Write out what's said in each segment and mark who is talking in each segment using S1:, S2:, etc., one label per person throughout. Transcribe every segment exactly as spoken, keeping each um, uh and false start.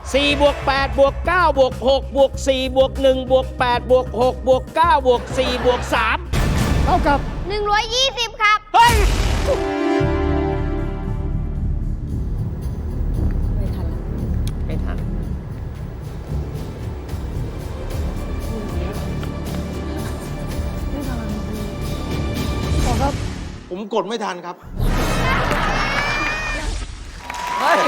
S1: สี่บวกแปดบวกเก้าบวกหกบวกสี่บวกหนึ่งบวกแปดบวกหกบวกเก้าบวกสี่บวกสาม
S2: เท่ากับ
S3: หนึ่งร้อยยี่สิบครับ
S1: เฮ้ย
S4: ไม่ทันแล้ว
S1: ไม่ทัน
S2: ขอครับ
S5: ผมกดไม่ทันครับ
S1: เฮ้ย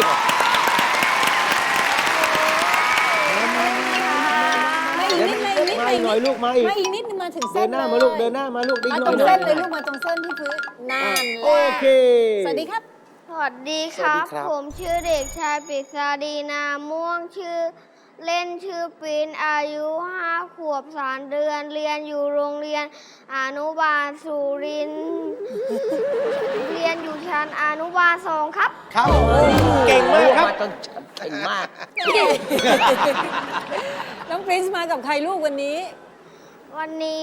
S4: ไม่อีกนิดไม่อีกนิด
S1: มาอีกหน่อยลูกมาอีก
S4: ไม่อีกนิดนึงมาถึงเส้
S1: เดิ
S4: น
S1: นหน้ามาลูกเดินหน้ามาลูก
S4: มา
S1: ห
S4: ตรง
S1: ห
S4: เส้น
S1: ห
S4: เลยลูกมาตรงเส้นที่พื้นนั่นแห
S1: โอ
S4: ละ
S1: เค
S4: สวัสดีครับ
S3: สวัสดีครับ
S5: สวัสดีครับ
S3: ผมชื่อเด็กชายปริศาดีนาม่วงชื่อเล่นชื่อปินอายุห้าขวบสามเดือน เรียนอยู่โรงเรียนอนุบาลสุรินทร์เรียนอยู่ชั้นอนุบาลสองครับ
S5: ครับเก่งมากครับ
S1: มาจนเก่งมาก
S4: น้องปรินซ์มากับใครลูกวันนี้
S3: วันนี้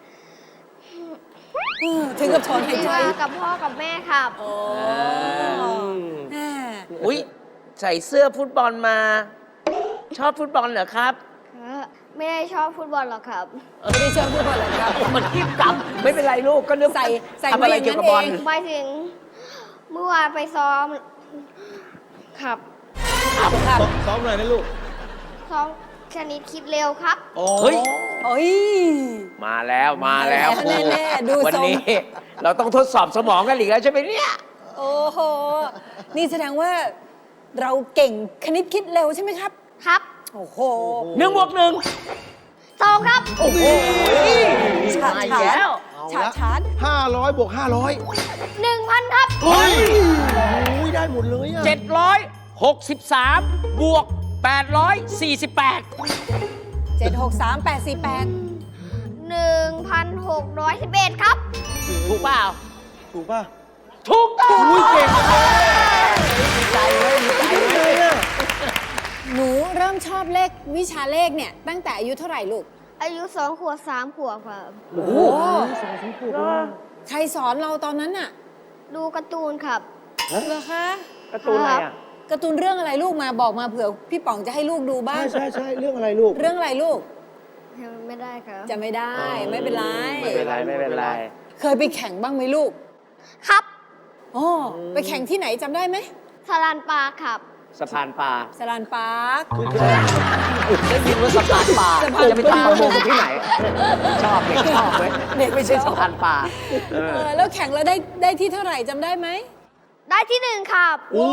S4: เออถึงกับถอนหายใจ
S3: มากับพ่อกับแม่ครับ
S4: โอ้แม่
S1: อุ้ยใส่เสื้อฟุตบอลมา ชอบฟุตบอลเหรอครับ
S3: ไม่ได้ชอบฟุตบอลหรอกครับ
S4: ไม่ได้เชิญพูดก่อนเลยครับ
S1: มันรีบกลับ ไม่เป็นไรลูกก็นึก
S4: ใส่ใส่
S1: ทำอะไร
S4: มาอย่างนั้น
S1: เกี่ยวกับบอล
S4: เอง
S3: หมายถึงเมื่อวานไปซ้อมครับ
S4: ครับ
S5: ซ้อมหน่อยนะลูก
S3: ซ้อมชนิดคิดเร็วครับ
S1: เฮ้ย
S4: โอ้ย
S1: มาแล้วมาแล้ว
S4: มาแล้วแน่ๆดู
S1: วัน
S4: ทรง
S1: นี้ เราต้องทดสอบสมองกันอีกแล้วใช่ไหมเนี่ย
S4: โอ้โห นี่แสดงว่าเราเก่งคณิตคิดเร็วใช่ไหมครับ
S3: ครับ
S4: โอ้โห
S1: หนึ่งบวกหนึ่ง
S3: สองครับ
S1: โอ้โห
S4: ฉาด
S1: มาอีก
S4: ฉา
S1: แล้
S4: ด
S1: ว
S4: ฉาดฉาด
S5: ห้าร้อยบวกห้าร้อย
S3: หนึ่งพันครับ
S5: เฮ้ยโอ้ยได้หมดเลยอ่ะ
S1: เจ็ดร้อยหกสิบสามบวกแปดร้อยสี่สิบแปด
S4: เจ็ดหกสามแปดสี่แปด
S3: หนึ่งพันหกร้อยสิบเอ็ดครับ
S1: ถูกเปล่า
S5: ถูกป่ะ
S1: ถูกต้อง
S5: อุ้ยเก่งมาก
S1: ใจเลยใจเลย
S4: หนูเริ่มชอบเลขวิชาเลขเนี่ย ตั้งแต่อายุเท่าไหร่ลูก
S3: อายุสองขวบสามขวบครับ
S4: โอ้โหใครสอนเราตอนนั้นน่ะ
S3: ดูการ์ตูนครับ
S4: เหรอคะ
S1: การ์ตูนอะไรอ่ะ
S4: การ์ตูนเรื่องอะไรลูกมาบอกมาเผื่อพี่ป๋องจะให้ลูกดูบ้าง
S5: ใช่ใช่ใช่เรื่องอะไรลูก
S4: เรื่องอะไรลูก
S3: ไม่ได้ครับ
S4: จะไม่ได้ไม่เป็นไร
S1: ไม่เป็นไรไม่เป็นไร
S4: เคยไปแข่งบ้างไหมลูก
S3: ครับ
S4: อ๋อไปแข่งที่ไหนจำได้ไหม
S3: สลานปลาครับ
S1: สะพานปลา
S4: สลานปาร์ค
S1: ได้ยินว่าสะพานปลา
S4: สะพานปลา
S1: จะไปทำประมงกันที่ไหน ชอบเด็กชอบเว้ย
S4: เด็ก
S1: ไม่ใช่
S4: ชอบ
S1: สะพานปลาเอ
S4: เอ
S1: อ
S4: อแล้วแข่งแล้วได้ได้ที่เท่าไหร่จำได้ไหม
S3: ได้ที่หนึ่งครับ
S5: โอ้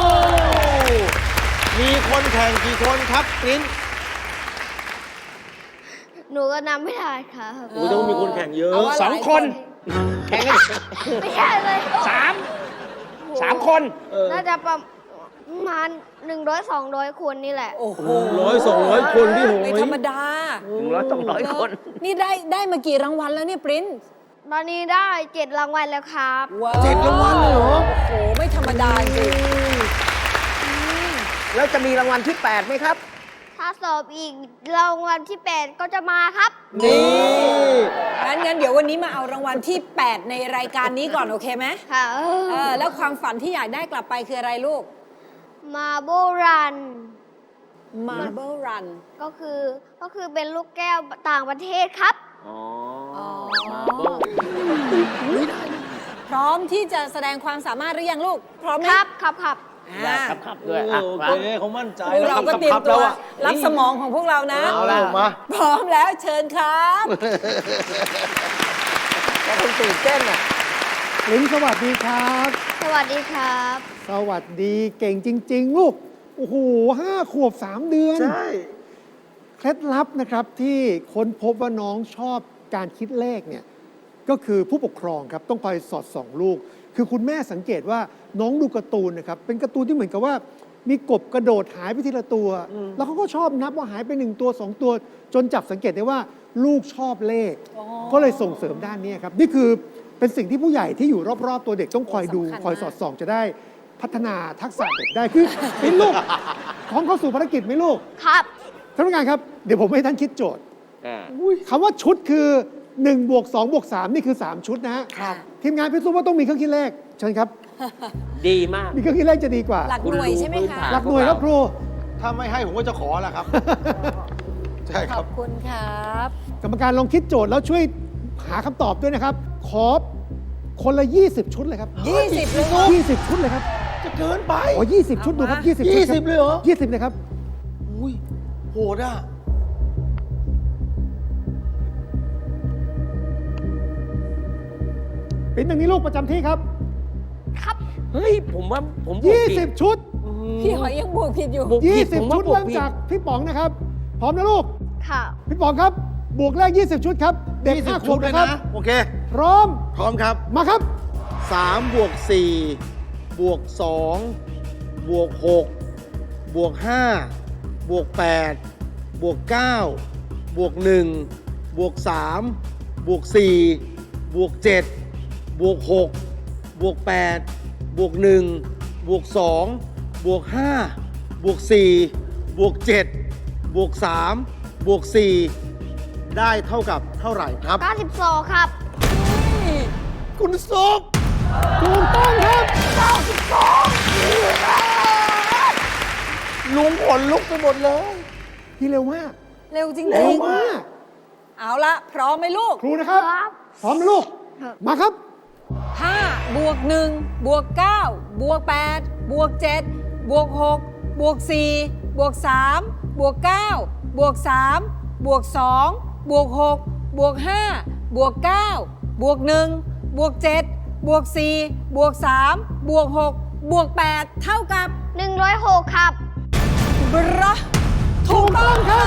S5: มีคนแข่งกี่คนครับปริ้น
S3: หนูก็นำไม่ได้ครับ
S5: โอ้ต้องมีคนแข่งเยอะ
S4: เอาว่า
S1: สอง
S4: หลาย
S1: คน แข่งกัน
S3: ไม่ใช่เลย
S1: สามสามคน
S5: เออ
S3: น่าจะประมาณหนึ่งร้อยสองร้อยคนนี่แหละ
S4: โอ้โห
S5: ร้อยสองร้อยคนพี่โหย
S4: ไม่ธรรมดา
S1: หนึ่งร้อยต้องร้อยคน
S4: นี่ได้ได้มากี่รางวัลแล้วเนี่ยปริ้น
S3: ตอนนี้ได้เจ็ดรางวัลแล้วครับ
S4: ว้า
S5: เจ็ดรางวัลเลยเหรอ
S4: โอ้โหไม่ธรรมดาจริง
S1: แล้วจะมีรางวัลที่แปดไหมครับ
S3: ถ้าสอบอีกรางวัลที่แปดก็จะมาครับ
S5: นี่
S4: งั้นงั้นเดี๋ยววันนี้มาเอารางวัลที่ แปด ในรายการนี้ก่อนโอเคไหม
S3: ค่ะ
S4: เออแล้วความฝันที่อยากได้กลับไปคืออะไรลูก
S3: มาโบรัน
S4: Marble Run
S3: ก็คือก็คือเป็นลูกแก้วต่างประเทศครับ
S1: อ๋อ
S4: อ๋อ
S1: มาเบิ้ล
S4: พร้อมที่จะแสดงความสามารถหรือยังลูก พร้อมไหม
S3: ครับครับครับ
S1: ได้
S4: อ่า
S1: ครับครับด้วยอ่ะ
S5: โอ
S1: มา
S5: เคเขามั่นใจ
S4: พวกเราก็เตรียมตัว
S5: แล้วอะ
S4: รับสมองของพวกเรานะ
S5: เอาละมา
S4: พร้อมแล้วเชิญครับ
S1: ก็ต้องตื่นเต้นอ่ะ
S2: ลินสวัสดีครับ
S3: สวัสดีครับ
S2: สวัสดีเก่งจริง ๆ ลูก โอ้โหห้าขวบสามเดือน
S5: ใช่
S2: เคล็ดลับนะครับที่ค้นพบว่าน้องชอบการคิดเลขเนี่ยก็คือผู้ปกครองครับต้องคอยสอดส่องลูก คือคุณแม่สังเกตว่าน้องดูการ์ตูนนะครับเป็นการ์ตูนที่เหมือนกับว่า มีกบกระโดดหายไปทีละตัว แล้วเขาก็ชอบนับว่าหายไปหนึ่งตัวสองตัว จนจับสังเกตได้ว่าลูกชอบเลข
S4: อ๋อ
S2: ก็เลยส่งเสริมด้านนี้ครับนี่คือเป็นสิ่งที่ผู้ใหญ่ที่อยู่รอบๆ ตัวเด็กต้องคอยดู
S4: สำคัญมาก
S2: คอยสอดส่องจะได้พัฒนาทักษะเด็กได้คือเป็นลูกของเข้าสู่ภารกิจไหมลูก
S3: ครับ
S2: ท่านผู้การครับ เดี๋ยวผมให้ท่านคิดโจทย์
S1: อ่า
S2: คำว่าชุดคือ1บวก2บวก3นี่คือ 3 ชุดนะฮะ
S4: ค่ะ
S2: ทีมงานพิสูจน์ว่าต้องมีเครื่องคิดเลขเชิญครับ
S1: ดีมาก
S2: มีเครื่องคิดเลขจะดีกว่า
S4: หลักหน่วยใช่ไหมคะ
S2: หลักหน่วยครับครู
S5: ถ้าไม่ให้ผมก็จะขอแหละครับ ใช่ค
S4: ข
S5: รั
S4: อบ บคุณครับ
S2: กรรมการลองคิดโจทย์แล้วช่วยหาคำตอบด้วยนะครับ ขอคนละ ยี่สิบ ชุดเลยครับ
S4: ยี่สิบเลยเหรอ
S2: ยี่สิบ ชุดเลยครับ
S5: จะเกินไป
S2: โอ้ยี่สิบ ชุดดูครับ ยี่สิบ ชุด
S5: ยี่สิบเลยเหรอ
S2: ยี่สิบเลยครับ
S5: อุ้ยโหดอ่ะ
S2: เป็นอย่างนี้ลูกประจำที่ครับ
S3: ครับ
S1: เฮ้ย ผมว่าผมบวกผิด
S2: ยี่สิบ ชุด
S4: พี่หอยยังบวกผิดอยู่
S1: บวกผิดผม
S2: ยี่สิบ
S1: ว่า
S2: ชุด
S1: บวก
S2: เริ่ม
S1: ผิด
S2: จากพี่ป๋องนะครับ พร้อมนะลูก
S3: ค่ะ
S2: พี่ป๋องครับ บวกแรก ยี่สิบ ชุดครับ เด็ก
S5: ยี่สิ
S2: ห้า
S5: บ
S2: ข
S5: ชุ
S2: ว
S5: ด
S2: บ
S5: เลย
S2: นะครับ
S5: นะ โอเค
S2: พร้อม
S5: พร้อมครับ
S2: มาครับ
S5: สามบวกสี่บวกสองบวกหกบวกห้าบวกแปดบวกเก้าบวกหนึ่งบวกสามบวกสี่บวกเจ็ดบวกหกบวกแปดบวกหนึ่งบวกสองบวกห้าบวกสี่บวกเจ็ดบวกสามบวกสี่ได้เท่ากับเท่าไหร่ครับ
S3: เก้าสิบสองครับ
S5: คุณซุป
S2: ถูกต้องครับ
S5: ลุงขนลุกไปหมดเลย
S2: พี่เร็วมาก
S4: เร็วจริง
S2: เร็วมาก
S4: ๆเอาละพร้อมไหมลูก
S2: ครูนะครับ
S3: ครับ
S2: พร้อมนะลูก
S3: ครับ
S2: มาครับ
S4: ห้าบวกหนึ่งบวกเก้าบวกแปดบวกเจ็ดบวกหกบวกสี่บวกสามบวกเก้าบวกสามบวกสองบวกหกบวกห้าบวกเก้าบวกหนึ่งบวกเจ็ดบวกสี่บวกสามบวกหกบวกแปดเท่ากับ
S3: หนึ่งร้อยหกครับ
S4: บรอถูกต้องค่ะ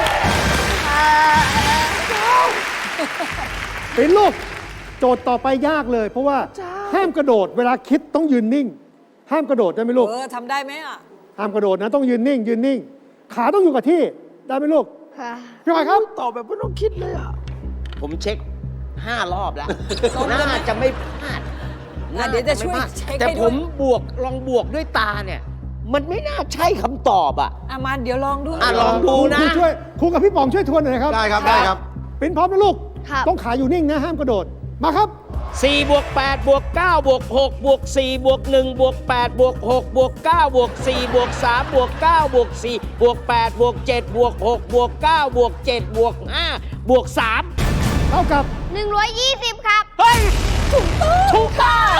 S2: เป็นลูก โจทย์ต่อไปยากเลย เพราะว่าห้ามกระโดด เวลาคิดต้องยืนนิ่ง ห้ามกระโดดได้ไหมลูก
S4: เออทำได้ไหมอ่ะ
S2: ห้ามกระโดดนะต้องยืนนิ่ง ยืนนิ่ง ขาต้องอยู่กับที่ ได้ไหมลูก
S3: ค่ะ
S2: พี่หอยครับ
S5: ตอบแบบไม่ต้องคิดเลยอ่ะ
S1: ผมเช็คห้ารอบแล้ว น่าจะไม่พลาด
S4: อ่ะเดี๋ยวจะช่วย
S1: น่าไม่พลาด
S4: เช็ค
S1: แต่
S4: ให้
S1: ผ
S4: ด้วย
S1: มบวกลองบวกด้วยตาเนี่ย มันไม่น่าใช่คำตอบอ่ะ
S4: อ่ะมาเดี๋ยวลองดู
S1: อ่ะลองดูนะ
S2: ครูช่วยครูกับพี่ป๋องช่วยทวนหน่อยนะครับ
S5: ได้ครับ ได้ครับ
S2: เป็นพร้อมนะลูก
S3: ครับ
S2: ต้องขาอยู่นิ่งนะ ห้ามกระโดด มาครับ
S1: สี่บวกแปดบวกเก้าบวกหกบวกสี่บวกหนึ่งบวกแปดบวกหกบวกเก้าบวกสี่บวกสามบวกเก้าบวกสี่บวกแปดบวกเจ็ดบวกหกบวกเก้าบวกเจ็ดบวกห้าบวกสาม
S2: เท่ากับ
S3: หนึ่งร้อยยี่สิบครับ
S1: เฮ้ย ถูกต้องถูกต้อง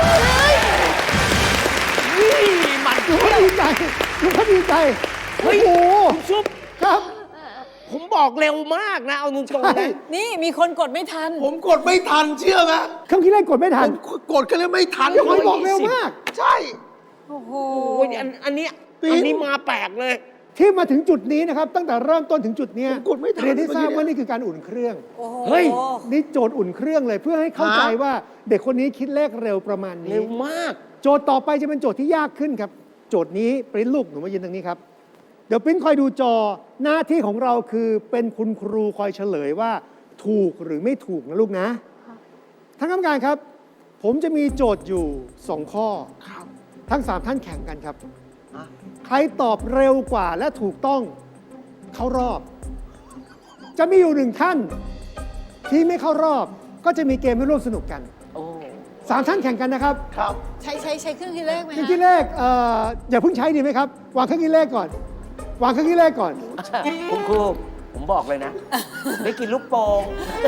S1: นี่มัน
S2: ดูเขาดีใจดูเขาดีใจ
S1: เฮ้
S2: โอ้
S1: ย
S2: โห
S1: คุณซุป
S2: ครับ
S1: ผมบอกเร็วมากนะ เอาตรงๆ
S2: ใช่
S1: นะ
S4: นี่มีคนกดไม่ทัน
S5: ผมกดไม่ทันเชื่อไหม
S2: เครื่องคิดเลขกดไม่ทั
S5: ผ
S2: น
S5: มกดกันเลยไม่ทัน
S2: พี่หอยบอกเร็วมาก
S5: ใช่
S4: โอ้โห
S1: โอ้ยอันอันเนี้ย
S5: ปิ๊ง
S1: อันนี้มาแปลกเลย
S2: ที่มาถึงจุดนี้นะครับ ตั้งแต่เริ่มต้นถึงจุดเนี้ย
S5: ผมกดไม่ทัน
S2: เรียนที่ทราบ
S5: เมื่อกี้
S2: ว่านี่คือการอุ่นเครื่อง
S4: โอ้โห
S1: เฮ้ย
S2: นี่โจทย์อุ่นเครื่องเลยเพื่อให้เข้าใจ
S5: ฮะ
S2: ว่าเด็กคนนี้คิดเลขเร็วประมาณนี้
S1: เร็วมาก
S2: โจทย์ต่อไปจะเป็นโจทย์ที่ยากขึ้นครับ โจทย์นี้ปริ้นลูกหนูมายืนตรงนี้ครับ เดี๋ยวปริ้นคอยดูจอหน้าที่ของเราคือเป็นคุณครูคอยเฉลยว่าถูกหรือไม่ถูกนะลูกนะท่านกรรมการครับ ผมจะมีโจทย์อยู่สองข้อทั้งสามท่านแข่งกันครับ ใครตอบเร็วกว่าและถูกต้องเข้ารอบ จะมีอยู่หนึ่งท่านที่ไม่เข้ารอบ ก็จะมีเกมให้ร่วมสนุกกัน
S1: โอ้
S2: สามท่านแข่งกันนะครับ
S5: ครับ
S4: ใช้ใช้ใช้เครื่องคิดเลขไหม
S2: เครื่อง
S4: ฮะ
S2: คิดเลขเอ่ออย่าเพิ่งใช้ดีไหมครับ วางเครื่องคิดเลขก่อน วางเครื่องคิดเลขก่อน
S1: คุณครูผมบอกเลยนะ ได้กินลูกโป่ง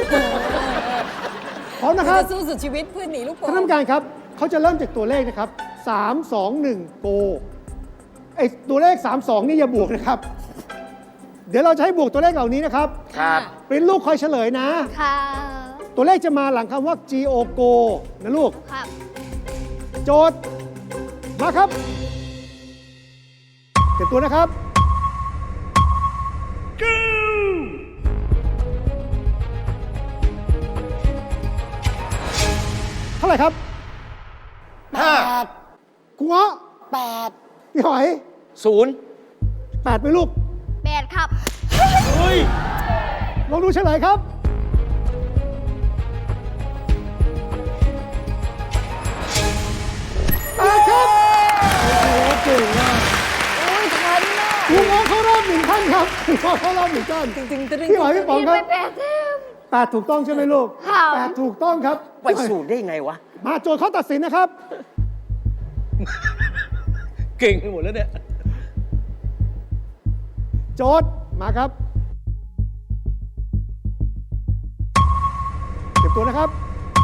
S2: พร้อมนะครับ
S4: จะสู้สุดชีวิตเพื่อหนีลูกโป่ง
S2: ท่านกรรมการครับ เขาจะเริ่มจากตัวเลขนะครับ สาม สอง หนึ่ง โกไอตัวเลข สาม สอง นี่อย่าบวกนะครับ เดี๋ยวเราจะให้บวกตัวเลขเหล่านี้นะครับ
S1: ครับ
S2: เป็นลูกคอยเฉลยนะ
S3: ค่ะ
S2: ตัวเลขจะมาหลังคำว่า G O Go นะลูก
S3: ครับ
S2: โจทย์ มาครับเตรียมตัวนะครับ เท่าไหร่ครับ
S5: ห้า
S2: คุณเงาะ
S4: แปด
S2: พี่หอย
S1: ศูนย์
S2: แปดไหมลูก
S3: แปดครับ
S1: เฮ้ย
S2: ลองดูเฉลยครับ แปดครับโอ้โหเก่งมาก
S4: โอ้ยทันน่ะ
S2: คุณเงาะเข้ารอบหนึ่งท่านครับคุณเงาะเข้ารอบหนึ่งท่าน
S4: ตึงตึงตึง
S2: พี่หอยพี่ป๋อง
S3: มี
S2: ค
S3: ไป
S2: รับ
S3: แปดแต้ม
S2: แปดถูกต้องใช่ไหมลูก
S3: ค่ะ
S2: แปดถูกต้องครับ
S1: ไปศูนย์ได้ยังไงวะ
S2: มาโจทย์ข้อตัดสินนะครับ
S1: เก่งไปหมดแล้วเนี่ย
S2: โจทย์มาครับเก็บตัวนะครับ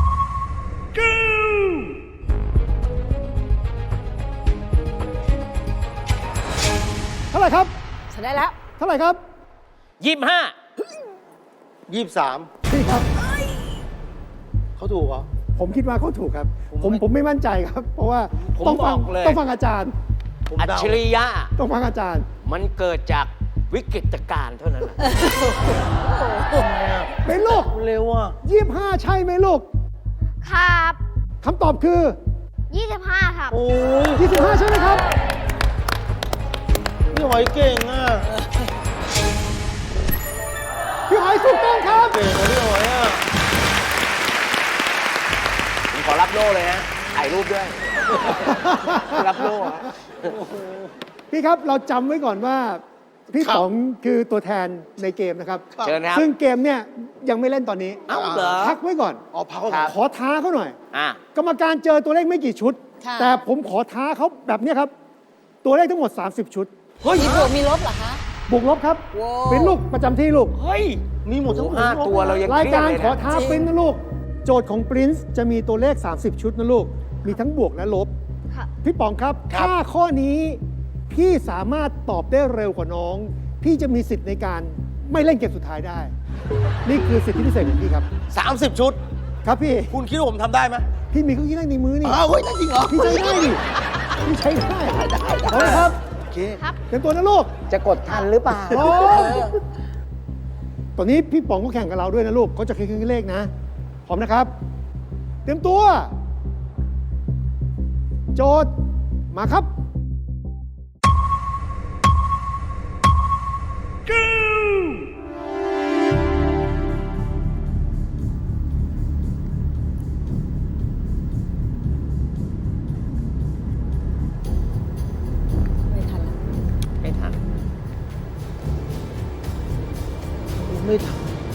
S2: เท่าไหร่ครับ
S4: ฉันได้แล้ว
S2: เท่าไหร่ครับ
S1: ยี่สิบห้า
S5: ยี่สิบสาม
S2: พี่ครับ
S5: เขาถูกเหรอ
S2: ผมคิดว่าเขาถูกครับ
S5: ผม
S2: ผม
S5: ไม่
S2: ผมไม่มั่นใจครับ เพราะว่า
S1: ผม
S2: ต้องฟัง
S1: บอกเลย
S2: ต้องฟังอาจารย์
S5: ผม
S1: อัจ
S5: เดา
S1: ฉริยะ
S2: ต้องฟังอาจารย์
S1: มันเกิดจากวิกฤตการณ์เท่านั้นแหละ
S2: เป็นลูก
S5: เร็วอ่ะ
S2: ยี่สิบห้าใช่ไหมลูก
S3: ครับ
S2: คำตอบคือ
S3: ยี่สิบห้าครับ
S5: โอ้ย
S2: ยี่สิบห้าใช่ไหมครับ
S5: พี่หอยเก่งอ่ะ
S2: พี่หอยถูกต้องครับ
S5: เก่งกว่าพี่หอยอ่ะ
S1: ผมขอรับโล่เลยนะ ถ่ายรูปด้วย รับโล่อะ
S2: พี่ครับเราจำไว้ก่อนว่า พี่ป๋องคือตัวแทนในเกมนะครับ
S1: เชิญครับ
S2: ซึ่งเกมเนี่ยยังไม่เล่นตอนนี้
S1: เอ้าเหรอ
S2: พักไว้ก่อน
S5: อ๋อพักไว้
S1: ครั
S5: ก่อบ น
S2: ขอท้าเขาหน่อย
S1: อ่ะ
S2: กรรมการเจอตัวเลขไม่กี่ชุด
S4: ค่ะ
S2: แต่ผมขอท้าเขาแบบเนี้ยครับ ตัวเลขทั้งหมด สามสิบ ชุด
S4: มีบวกมีลบเหรอคะ
S2: บวกลบครับ
S4: ว้าว
S2: เป็นลูกประจำที่ลูก
S1: เฮ้ย
S5: มีหมดทั้ง
S1: โอ้ห้าตัวเรายัง
S2: รายการ
S1: เครียดเลยนะ
S2: ขอท้า
S4: จริง
S2: ปริ้นนะลูก โจทย์ของปริ้นจะมีตัวเลข สามสิบ ชุดนะลูก มีทั้งบวกและลบ
S3: ครับ
S2: พี่ป๋องครับ ถ้าข้อนี้พี่สามารถตอบได้เร็วกว่าน้อง พี่จะมีสิทธิ์ในการไม่เล่นเกมสุดท้ายได้ นี่คือสิทธิพิเศษของพี่ครับ
S5: สามสิบชุด
S2: ครับพี่
S5: คุณคิดว่าผมทำได้ไหม
S2: พี่มีเครื่องคิดเลขในมือนี่
S5: อ้าวเฮ้ยนั่นจริงเหรอ
S2: พี่ใช้ได้ดิพี่ใช้ได้เอาละครับ
S5: โอเค
S2: เตรียมตัวนะลูก
S1: จะกดทันหรือเปล่า
S2: พร้อมตอนนี้พี่ป๋องก็แข่งกับเราด้วยนะลูกเขาจะคิดเครื่องเลขนะ พร้อมนะครับ เตรียมตัว โจทย์มาครับ
S4: ไม่ทันละ
S1: ไม่ทัน
S5: ไม่ทัน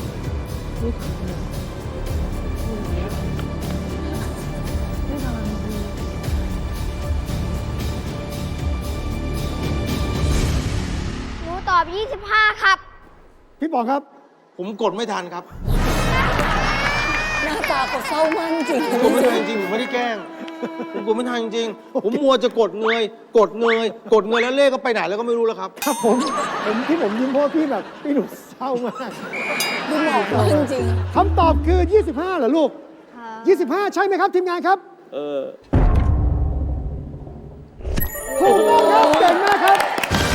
S3: หนูตอบยี่สิบห้าครับ
S2: พี่ป๋องครับ
S5: ผมกดไม่ทันครับ
S4: หน้าตาเขาเศร้ามากจริง
S5: ผมกดไม่ทันจริงๆผมไม่ได้แกล้ง ผมกดไม่ทันจริงๆผมมัวจะกดเงย กดเงย กดเงยแล้วเลขก็ไปไหนแล้วก็ไม่รู้แล้วครับ
S2: ครับผม ผมที่ผมยิ้มเพราะว่าพี่แบบพี่หนูเศร้ามาก
S4: ดูหมอกมากจริง
S2: คำตอบคือ ยี่สิบห้าเหรอลูก
S3: ครับ
S2: ยี่สิบห้า ใช่ไหมครับทีมงานครับ
S1: เออ
S2: ถูกต้องครับเก่งมากครับ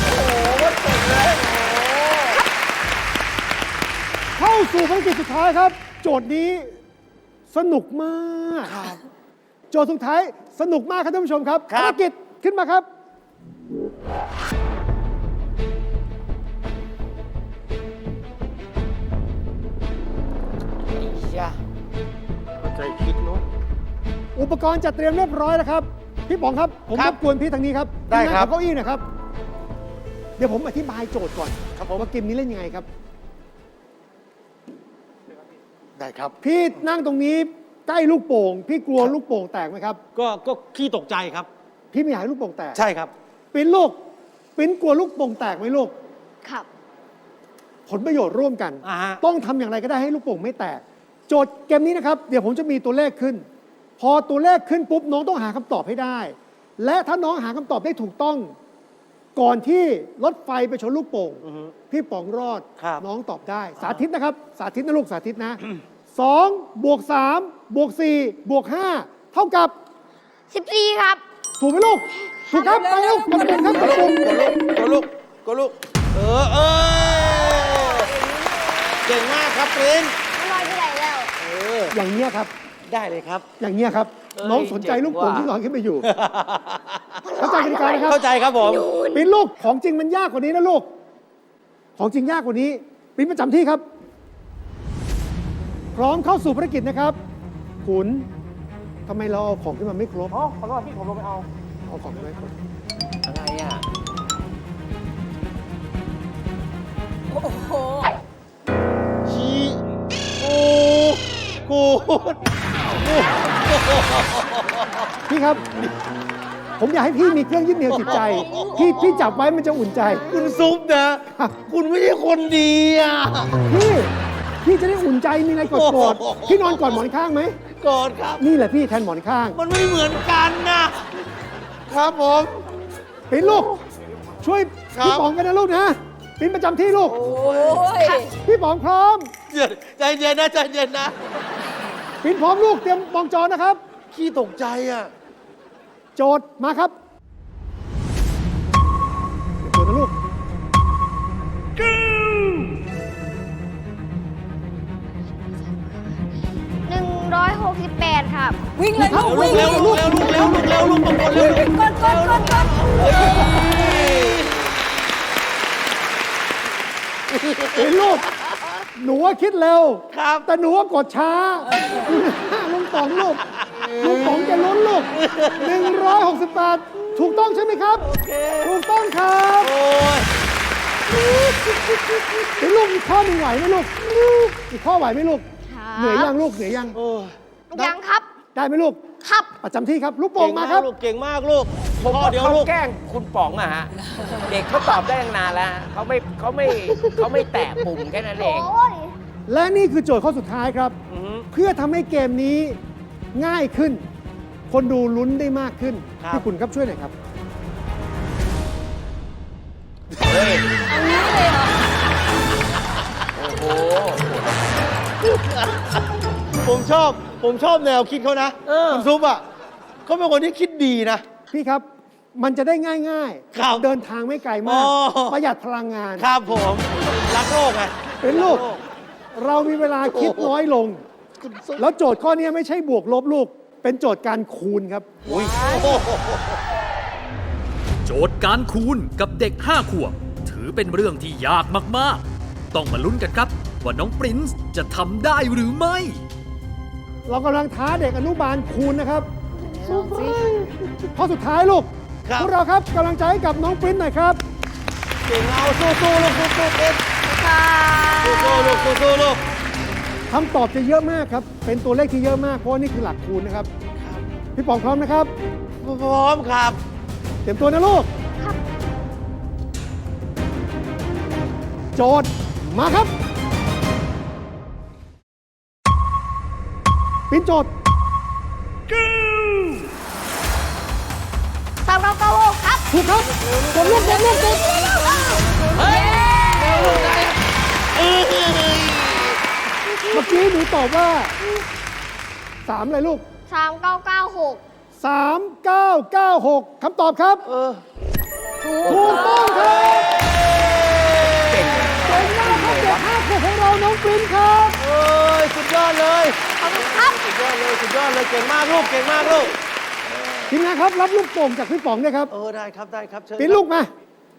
S2: เข้าสู่ภารกิจสุดท้ายครับ โจทย์นี้สนุกมากโจทย์สุดท้ายสนุกมากครับท่านผู้ชมครับ
S1: ครับ
S2: ภารกิจขึ้นมาครับ
S1: จ้ะ
S5: ใจคิดเนาะ
S2: อุปกรณ์จัดเตรียมเรียบร้อยแล้วครับ พี่ป๋องครับ ผม
S5: ค
S2: ร
S5: รับบ
S2: กวนพี่ทางนี้ครับ
S5: ได้ครับ
S2: ทีมงานขอเก้าอี้หนะครับ เดี๋ยวผมอธิบายโจทย์ก่อนครับผมว่าเกมนี้เล่นยังไงครับ
S5: ได้ครับ
S2: พี่นั่งตรงนี้ใกล้ลูกโป่ง พี่กลัวลูกโป่งแตกไหมครับ
S5: ก็ก็ขี้ตกใจครับ
S2: พี่ไม่อยากให้ลูกโป่งแตก
S5: ใช่ครับ
S2: ปิ้นลูกปิ้นกลัวลูกโป่งแตกไหมลูก
S3: ครับ
S2: ผลประโยชน์ร่วมกัน
S5: อ่าฮะ
S2: ต้องทำอย่างไรก็ได้ให้ลูกโป่งไม่แตก โจทย์เกมนี้นะครับ เดี๋ยวผมจะมีตัวเลขขึ้น พอตัวเลขขึ้นปุ๊บน้องต้องหาคำตอบให้ได้ และถ้าน้องหาคำตอบได้ถูกต้อง ก่อนที่รถไฟไปชนลูกโป่ง
S5: อือฮึ
S2: พี่ป๋องรอด
S5: ครับ
S2: น้องตอบได้ สาธิตนะครับ สาธิตนะลูกสาธิตนะสองบวกสามบวกสี่บวกห้าเท่ากับ
S3: สิบสี่ครับ
S2: ถูกไหมลูก ถูกครับไปลูกกดปุ่มครับกดปุ่ม
S5: กดลูกกดลูก เออเออเก่งมากครับปริ้น
S3: ไม่ลอยไปไหนแล้ว
S5: เออ
S2: อย่างเงี้ยครับ
S5: ได้เลยครับ
S2: อย่างเงี้ยครับ
S1: เอ้ย
S2: น้องสนใจลูกโป่ง
S1: เจ๋งว่ะ
S2: ที่ลอยขึ้นไปอยู่ เข้าใจกติกานะครับ
S5: เข้าใจครับผม
S2: ปิ้นลูกของจริงมันยากกว่านี้นะลูก ของจริงยากกว่านี้ปิ้นประจำที่ครับ พร้อมเข้าสู่ภารกิจนะครับขุนทำไมเราเอาของขึ้นมาไม่ครบ
S5: อ๋อ ขอโทษพี่ผมลงไปเอา
S2: เอาของขึ้นมาไม่ครบ
S1: อะไรอ่ะ
S4: โอ้โห
S5: ชีโอ้กูด
S2: พี่ครับผมอยากให้พี่มีเครื่องยึดเหนี่ยวจิตใจ พี่พี่จับไว้มันจะอุ่นใจ
S5: คุณซุปนะ
S2: ครับ
S5: คุณไม่ใช่คนดีอ่ะ
S2: พี่พี่จะได้อุ่นใจมีอะไรกดกดพี่นอนก่อนหมอนข้างไหม
S5: ก่อนครับ
S2: นี่แหละพี่แทนหมอนข้าง
S5: มันไม่เหมือนกันนะ ครับผม
S2: ปิ้นลูก ช่วย
S5: ครับ
S2: พี่ป๋องกันนะลูกนะปิ้นประจำที่ลูก
S4: โอ้ย
S2: พี่ป๋องพร้อม
S5: เย็นใจเย็นนะใจเย็นนะ
S2: ปิ้นพร้อมลูกเตรียมมองจอนะครับ
S5: ขี้ตกใจอ่ะ
S2: โจทย์มาครับเดี๋ยวโจทย์นะลูก
S3: หนึ่งร้อยหกสิบแปดครับ
S4: วิ่งเลยลูก
S5: ลู
S4: วิ่
S5: ก
S4: ง
S5: เร็วลูกเร็วลูกเร็วลูกเร็วลูกตะโกนเร็ว
S4: วิ่งกดกดกดกด
S2: ปิ้นลูก หนูว่าคิดเร็ว
S5: ครับ
S2: แต่หนูว่ากดช้าลุงป๋องลูกลุงป๋องจะลุ้นลูกหนึ่งร้อยหกสิบแปดถูกต้องใช่ไหมครับ ถูกต้องครับ
S5: โอ้ย
S2: ปิ้นลูกอีกข้อหนึ่งไหวไหมลูก อีกข้อไหวไหมลูก
S3: ครับ
S2: เหนื่อยยังลูก เหนื่อยยัง
S5: โอ้ย
S3: ยังครับ
S2: ได้ไหมลูก
S3: ครับ
S2: ประจำที่ครับ ลูกโป่งมาครับ
S5: ลูกเก่งมากลูก
S1: ผม
S5: ข้อ
S1: ว่า
S5: เดียว
S1: เขา
S5: ลูก
S1: แกล้งคุณป๋องอะฮะ เด็กเขาตอบได้ตั้งนานแล้วฮะเขาไม่เขาไม่เขาไม่แตะปุ่มแค่นั้นเอง
S3: โอ้ย
S2: และนี่คือโจทย์ข้อสุดท้ายครับ
S1: อือฮึ
S2: เพื่อทำให้เกมนี้ง่ายขึ้น คนดูลุ้นได้มากขึ้น
S5: ครับ
S2: พี่คุณครับช่วยหน่อยครับ
S4: เอางี้เลยเหรอ
S1: โอ้โห
S5: ผมชอบ ผมชอบแนวคิดเขานะ
S1: เออ
S5: คุณซุปอ่ะเขาเป็นคนที่คิดดีนะ
S2: พี่ครับ มันจะได้ง่าย
S5: ครับ
S2: เดินทางไม่ไกลมาก
S5: อ๋อ
S2: ประหยัดพลังงาน
S5: ครับผม รักโลกไง
S2: เป็นลูก เรามีเวลาคิด
S5: โอ้โห
S2: น้อยลง
S5: คุณซุป
S2: แล้วโจทย์ข้อนี้ไม่ใช่บวกลบลูก เป็นโจทย์การคูณครับ
S5: อุ้ยโอ้โห
S6: โจทย์การคูณกับเด็กห้าขวบ ถือเป็นเรื่องที่ยากมาก ๆ ต้องมาลุ้นกันครับ ว่าน้องปรินซ์จะทำได้หรือไม่
S2: เรากำลังท้าเด็กอนุบาลคูณนะครับข้อสุดท้ายลูก
S5: ครับ
S2: พวกเราครับกำลังใจให้กับน้องปริ้นหน่อยครับ
S5: เก่งเอาสู้ๆลูกสู้ๆเอ็ด
S3: ค่ะ
S5: สู้ๆลูกสู้ๆลูก
S2: คำตอบจะเยอะมากครับ เป็นตัวเลขที่เยอะมาก เพราะว่านี่คือหลักคูณนะครับ พี่ป๋องพร้อมนะครับ
S5: พร้อมครับ
S2: เตรียมตัวนะลูก โจทย์มาครับ ปริ้นโจทย์
S3: สามเก้าเก้าหกครับ
S2: ถูกครับกดลูกกดลูกกด
S1: เฮ้ย
S2: เมื่อกี้หนูตอบว่าสามอะไรลูก
S3: สามเก้าเก้าหก
S2: สามเก้าเก้าหกคำตอบครับ
S5: เออ
S4: ถูก
S2: ถูกต้องครับ
S1: เก่ง
S2: เก่งมากครับเด็กห้าขวบของเราน้องปริ้นครับ
S5: เอ้ยสุดยอดเลย
S3: ขอบคุณครับ
S5: สุดยอดเลยสุดยอดเลยเก่งมากลูกเก่งมากลูก
S2: ทีมงานครับรับลูกโป่งจากพี่ป๋องด้วยครับ
S5: เออได้ครับได้ครับเชิญ
S2: ปริ้นลูกมา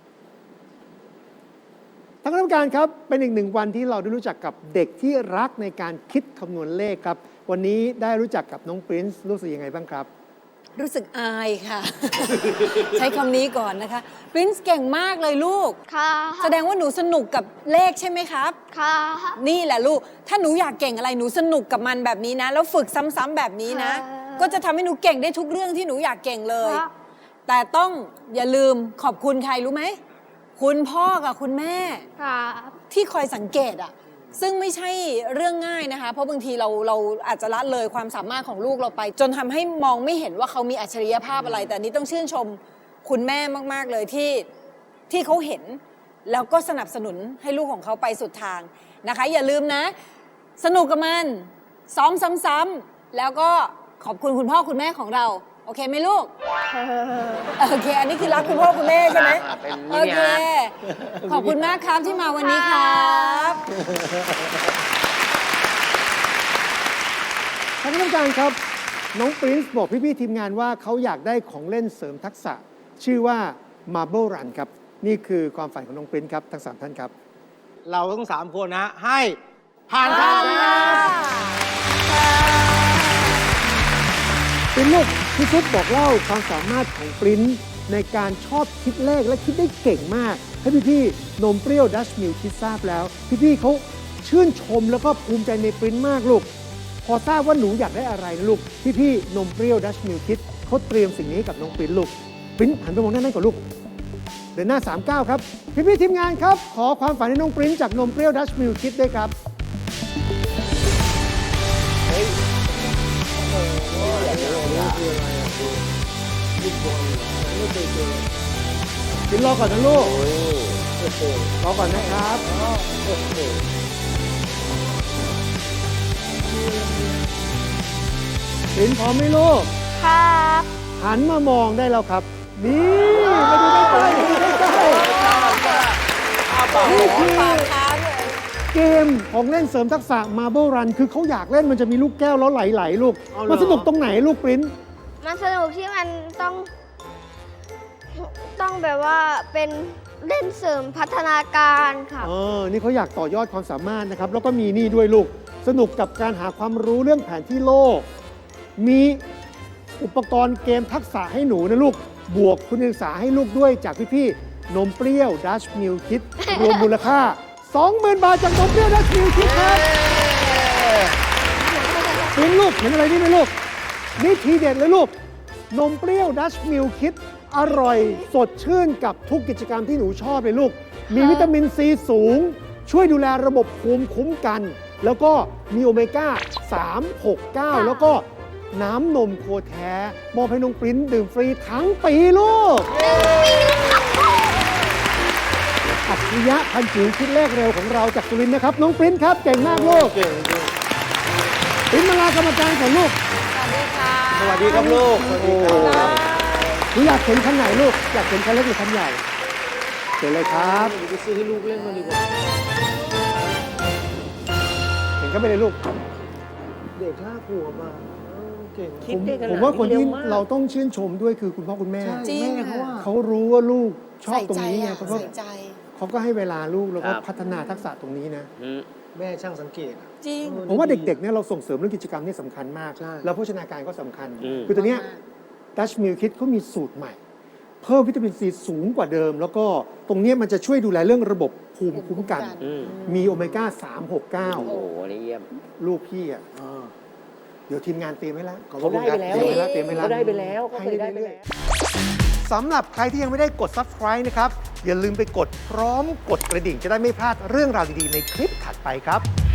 S2: ท่านคณะกรรมการครับ เป็นอีกหนึ่งวันที่เราได้รู้จักกับเด็กที่รักในการคิดคำนวณเลขครับ วันนี้ได้รู้จักกับน้องปริ้นซ์รู้สึกยังไงบ้างครับ
S4: รู้สึกอายค่ะ ใช้คำนี้ก่อนนะคะปรินซ์เก่งมากเลยลูก
S3: ค่ะ
S4: แสดงว่าหนูสนุกกับเลขใช่ไหมครับ
S3: ค่ะ
S4: นี่แหละลูก ถ้าหนูอยากเก่งอะไรหนูสนุกกับมันแบบนี้นะ แล้วฝึกซ้ำๆแบบนี้นะ ก็จะทำให้หนูเก่งได้ทุกเรื่องที่หนูอยากเก่งเลย
S3: ครับ
S4: แต่ต้องอย่าลืมขอบคุณใครรู้ไหม คุณพ่อกับคุณแม่
S3: ค่ะ
S4: ที่คอยสังเกตอะซึ่งไม่ใช่เรื่องง่ายนะคะ เพราะบางทีเราเราอาจจะละเลยความสามารถของลูกเราไป จนทำให้มองไม่เห็นว่าเขามีอัจฉริยภาพอะไร แต่อันนี้ต้องชื่นชมคุณแม่มากๆเลยที่ที่เขาเห็น แล้วก็สนับสนุนให้ลูกของเขาไปสุดทางนะคะ อย่าลืมนะ สนุกกับมันซ้อมซ้ำๆแล้วก็ขอบคุณคุณพ่อคุณแม่ของเรา โอเคไหมลูก โอเค อันนี้คือรักคุณพ่อคุณแม่ใช่ไหม
S1: เป็น
S4: โอ
S1: มินิ
S4: เค
S1: ฮาร์ท
S4: ขอบคุณมากครับที่มาวันนี้ครับ
S2: ท่านคณะกรรมการครับ น้องปรินซ์บอกพี่ๆทีมงานว่าเขาอยากได้ของเล่นเสริมทักษะ ชื่อว่า Marble Run ครับ นี่คือความฝันของน้องปรินซ์ครับ ทั้งสามท่านครับ
S5: เราทั้งสามคนนะให้ผ่านครับ
S2: ปริ้นลูกพี่ชุดบอกเล่าความสามารถของปริ้นในการชอบคิดเลขและคิดได้เก่งมาก ให้พี่ๆนมเปรี้ยวดัชมิลคิดทราบแล้ว พี่ๆเขาชื่นชมแล้วก็ภูมิใจในปริ้นมากลูก พอทราบว่าหนูอยากได้อะไรนะลูก พี่ๆนมเปรี้ยวดัชมิลคิดเขาเตรียมสิ่งนี้ให้กับน้องปริ้นลูกปริ้นหันไปมองหน้านั่นก่อนลูก เดินหน้าสามเก้าครับ พี่ๆทีมงานครับ ขอความฝันให้น้องปริ้นจากนมเปรี้ยวดัชมิลคิดด้วยครับ ปริ้นรอก่อนนะลูกรอก่อนนะครับปริ้นพร้อมไหมลูก
S3: ครับ
S2: หันมามองได้แล้วครับ นี่มาดูใกล้ๆมาดูใกล้ๆนี่คือ
S4: ปากค้างเลย
S2: เกมของเล่นเสริมทักษะ Marble Run คือเขาอยากเล่นมันจะมีลูกแก้วแล้วไหลๆลูก
S5: เอาเหรอ
S2: มันสนุกตรงไหนลูกปริ้น
S3: มันสนุกที่มันต้อง ต้องแบบว่าเป็นเล่นเสริมพัฒนาการครับ
S2: เออ นี่เขาอยากต่อยอดความสามารถนะครับ แล้วก็มีนี่ด้วยลูก สนุกกับการหาความรู้เรื่องแผนที่โลก มีอุปกรณ์เกมทักษะให้หนูนะลูก บวกคุณศึกษาให้ลูกด้วยจากพี่ๆ นมเปรี้ยวดัชมิลคิด รวมมูลค่า สองหมื่น บาทจากนมเปรี้ยวดัชมิลคิดครับเป็นลูกเห็นอะไรนี่ไหมลูก นี่ทีเด็ดเลยลูก นมเปรี้ยวดัชมิลคิด อร่อยสดชื่นกับทุกกิจกรรมที่หนูชอบเลยลูก มีวิตามินซีสูง ช่วยดูแลระบบภูมิคุ้มกัน แล้วก็มีโอเมก้า สาม หก เก้า แล้วก็น้ำนมโคแท้มอบให้น้องปริ้นดื่มฟรีทั้งปีลูก อัจฉริยะพันจิ๋วคิดเลขเร็วของเราจากสุรินทร์นะครับ น้องปริ้นครับ เก่งมากลูก
S5: เก่งจริง
S2: ปริ้นมาลากรรมการก่อนลูก
S4: สวัสดีค่ะ
S5: สวัสดีครับลูก สวัสดีครับ
S2: หนูอยากเห็นคันไหนลูก อยากเห็นคันเล็กหรือคันใหญ่เชิญเลยครับ
S5: ไปซื้อให้ลูกเล่นมาดีกว่า
S2: เห็นก็ไปเลยลูก
S5: เด็กห้าขวบอ่ะเออเก่ง
S2: ผมผมว่าคนที่เราต้องชื่นชมด้วยคือคุณพ่อคุณแม่
S4: จริง
S5: แม่เขาว่า
S2: เขารู้ว่าลูกชอบ
S4: ใส่
S2: ตรง
S4: ใจ
S2: นี้ไง
S4: อะ
S2: เขาก็
S4: ใส่ใจ
S2: เขาก็ให้เวลาลูกแล้วก็
S1: ครับ
S2: พัฒนาทักษะตรงนี้นะ
S1: อืม
S5: แม่ช่างสังเกตอะ
S4: จริง
S2: ผมว่าเด็กๆเนี่ยเราส่งเสริมเรื่องกิจกรรมนี่สำคัญมาก
S5: ใช่
S2: แล้วโภชนาการก็สำคัญ
S1: อืม
S2: คือตัวเนี้ยดัชมิลคิดเขามีสูตรใหม่ เพิ่มวิตามินซีสูงกว่าเดิม แล้วก็ตรงเนี้ยมันจะช่วยดูแลเรื่องระบบภูมิคุ้มกัน
S1: อืม
S2: มีโอเมก้า สาม หก เก้า
S1: โอ้โหนี่เยี่ยม
S2: ลูกพี่อ่ะ
S5: อ่า
S2: เดี๋ยวทีมงานเตรียมไว้แล้ว
S5: ขอบคุณครับ
S2: เตรียมไว้แล้วเตรียมไว้แล้ว
S1: เขาได้ไปแล้วเขาเคยได้ไปแล้ว
S2: สำหรับใครที่ยังไม่ได้กด Subscribe นะครับ อย่าลืมไปกดพร้อมกดกระดิ่งจะได้ไม่พลาดเรื่องราวดีๆในคลิปถัดไปครับ